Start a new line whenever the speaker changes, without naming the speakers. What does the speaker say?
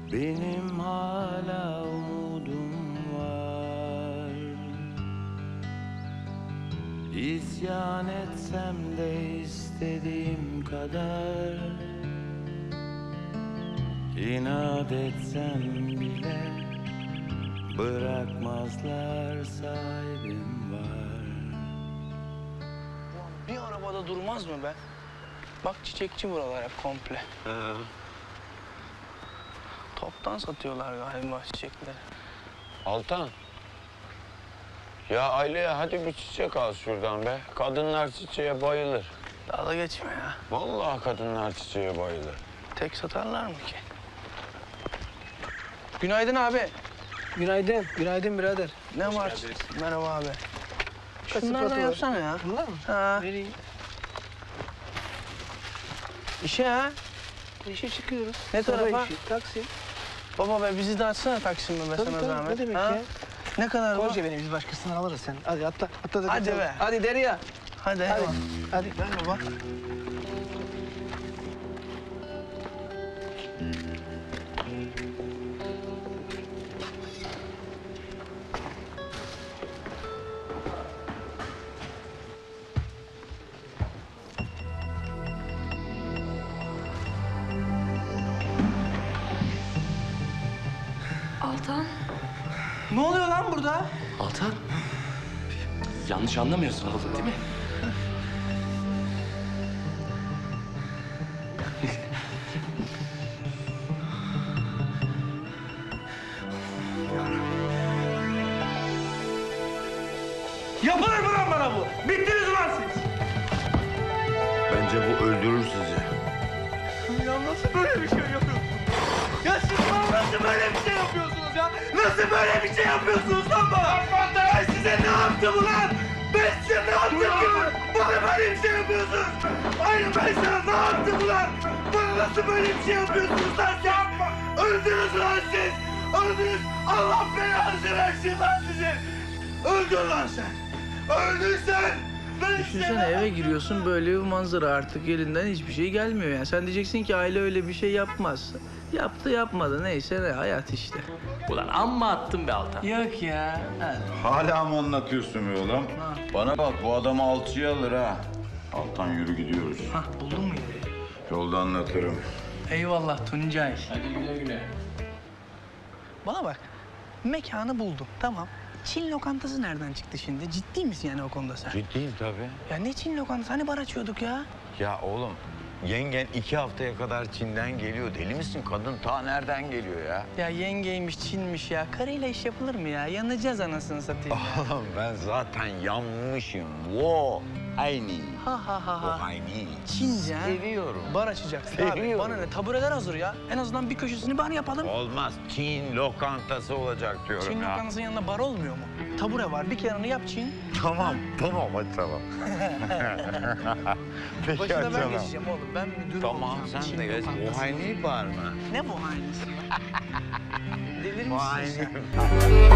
Benim hala umudum var. İsyan etsem de istediğim kadar, İnat etsem bile bırakmazlar, sahibim var.
Bir arabada durmaz mı be? Bak çiçekçi buralar hep komple. Toptan satıyorlar galiba çiçekleri.
Altan. Ya Aileye hadi bir çiçek al şuradan be. Kadınlar çiçeğe bayılır.
Daha da geçme ya.
Vallahi kadınlar çiçeğe bayılır.
Tek satarlar mı ki? Günaydın abi.
Günaydın. Günaydın birader.
Ne var? Merhaba abi.
Kaç
Şunlardan
sıfatı var?
yapsana ya.
Bunlar mı?
Ha.
Vereyim.
İşe ha.
İşe çıkıyoruz.
Ne
Sabah
tarafa?
işi, taksi.
Baba be bizi de açsana Taksim'e be
Tabii
sana
tabii.
zahmet.
Ne demek
Ha?
ya?
Ne kadar bu?
Koca benim, biz başkasından alırız sen. Hadi atla. Atla da
Hadi
kaçalım.
be.
Hadi Derya.
Hadi.
Hadi.
eyvallah.
Hadi.
Ver baba.
Altan,
Ne oluyor lan burada?
Altan, yanlış anlamıyorsun oğlum değil mi?
Yapılır mı lan bana bu? Bittiniz ulan siz.
Bence bu öldürür sizi.
Ya nasıl böyle bir şey yapıyorsunuz? Ya siz bana nasıl böyle bir şey yapıyorsunuz ya? Nasıl böyle bir şey yapıyorsunuz lan bana? Ben size ne yaptım ulan? Ben size ne yaptım ki? Bana böyle bir şey yapıyorsunuz. Hayır ben sana ne yaptım ulan? Bana nasıl böyle bir şey yapıyorsunuz lan siz? Öldünüz lan siz. Öldünüz. Allah belanızı versin lan sizin. Öldün lan sen. Öldün sen.
Düşünsene eve giriyorsun böyle bir manzara, artık elinden hiçbir şey gelmiyor yani. Sen diyeceksin ki aile öyle bir şey yapmaz. Yaptı yapmadı neyse, ne hayat işte.
Ulan amma attın be Altan.
Yok ya.
Hala mı anlatıyorsun be oğlum? Bana bak, bu adamı alçıya alır ha. Altan yürü, gidiyoruz.
Hah, buldun mu yeri?
Yolda anlatırım.
Eyvallah Tuncay.
Hadi güle güle.
Bana bak, mekanı buldum, tamam. Çin lokantası nereden çıktı şimdi? Ciddi misin yani o konuda sen?
Ciddiyim tabii.
Ya ne Çin lokantası? Hani bar açıyorduk ya?
Ya oğlum yengen 2 haftaya kadar Çin'den geliyor. Deli misin? Kadın ta nereden geliyor ya?
Ya yengeymiş, Çinmiş ya. Karıyla iş yapılır mı ya? Yanacağız anasını satayım ya.
Oğlum ben zaten yanmışım. Wo aynı.
Ha ha ha
O
ha.
aynı.
Çince ha?
Seviyorum.
Bar açacaksın abi.
Seviyorum.
Bana ne? Tabureler hazır ya. En azından bir köşesini bar yapalım.
Olmaz. Çin lokantası olacak diyorum
Çin
ya.
lokantasının yanında bar olmuyor mu? Tabure var. Bir kenarını yap Çin.
Tamam hadi tamam. Peki
Başına
hadi
ben
tamam.
geçeceğim oğlum. Ben müdür
Tamam
olacağım.
sen
Çin
de geç.
lokantası.
O aynı var mı?
Ne bu hainisi? Delir
O
misin
aynı.
sen?